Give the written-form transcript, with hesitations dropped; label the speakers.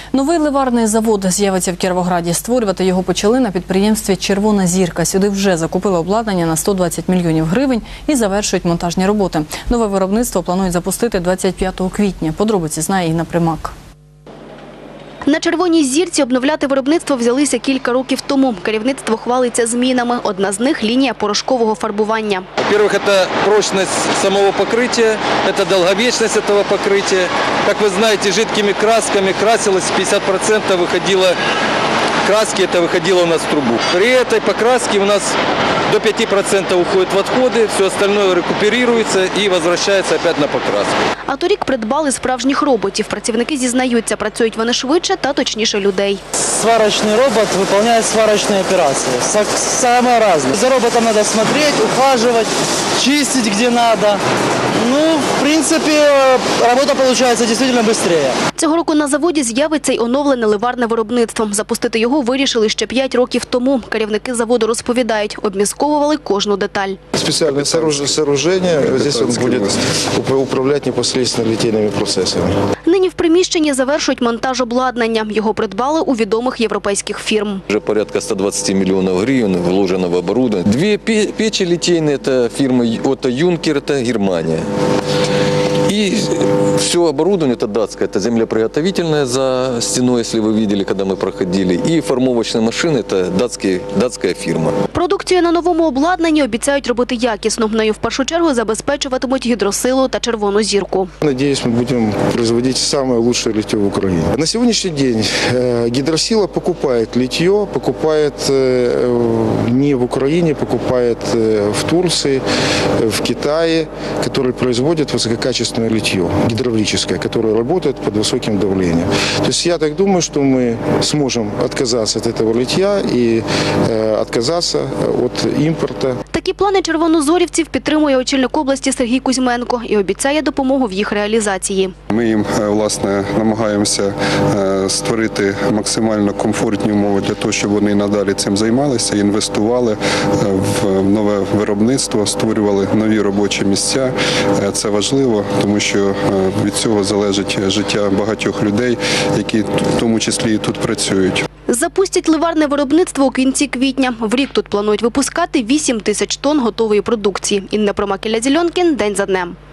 Speaker 1: Новий ливарний завод з'явиться в Кіровограді. Створювати його почали на підприємстві «Червона зірка». Сюди вже закупили обладнання на 120 мільйонів гривень і завершують монтажні роботи. Нове виробництво планують запустити 25 квітня. Подробиці знає Інна Примак.
Speaker 2: На «Червоній зірці» обновляти виробництво взялися кілька років тому. Керівництво хвалиться змінами. Одна з них – лінія порошкового фарбування.
Speaker 3: Во-первых, это прочность самого покрытия, это долговечность этого покрытия. Как вы знаете, жидкими красками красилось 50% выходило краски, это выходило у нас в трубу. При этой покраске у нас до 5% уходит в отходы, все остальное рекуперируется и возвращается опять на покраску.
Speaker 2: А торік придбали справжніх роботів. Працівники зізнаються, працюють вони швидше та точніше людей.
Speaker 4: Сварочный робот выполняет сварочные операции. Самое разное. За роботом надо смотреть, ухаживать, чистить где надо. Ну, в принципе, работа получается действительно быстрее.
Speaker 2: Цього року на заводі з'явиться й оновлене ливарне виробництво. Запустити його вирішили ще 5 років тому. Керівники заводу розповідають, обмісковували кожну деталь.
Speaker 5: Специальное сооружение, здесь он будет управлять непосредственно литейными процессами.
Speaker 2: Нині в приміщенні завершують монтаж обладнання. Його придбали у відомих європейських фірм.
Speaker 3: Уже порядка 120 миллионов гривен вложено в оборудование. Две печи литейные, это фирма Отто Юнкер, это Германия. И все оборудование, это датское, это землеприготовительное за стеной, если вы видели, когда мы проходили. И формовочные машины, это датская фирма.
Speaker 2: Продукцію на новому обладнанні обіцяють робити якісно. Нею в першу чергу забезпечуватимуть гідросилу та червону зірку.
Speaker 5: Надеюсь, мы будем производить самое лучшее литье в Украине. На сегодняшний день гидросила покупает литье, покупает не в Украине, покупает в Турции, в Китае, который производит высококачественное литье, гидравлическое, которое работает под высоким давлением. То есть я так думаю, что мы сможем отказаться от этого литья и отказаться от імпорту.
Speaker 2: Такі плани червонозорівців підтримує очільник області Сергій Кузьменко і обіцяє допомогу в їх реалізації.
Speaker 6: Ми їм, власне, намагаємося створити максимально комфортні умови для того, щоб вони надалі цим займалися, інвестували в нове виробництво, створювали нові робочі місця. Це важливо, тому що від цього залежить життя багатьох людей, які в тому числі і тут працюють.
Speaker 2: Запустять ливарне виробництво у кінці квітня. В рік тут планують випускати 8 тисяч тонн готової продукції. Інна Примак, Ілля Зільонкін. День за днем.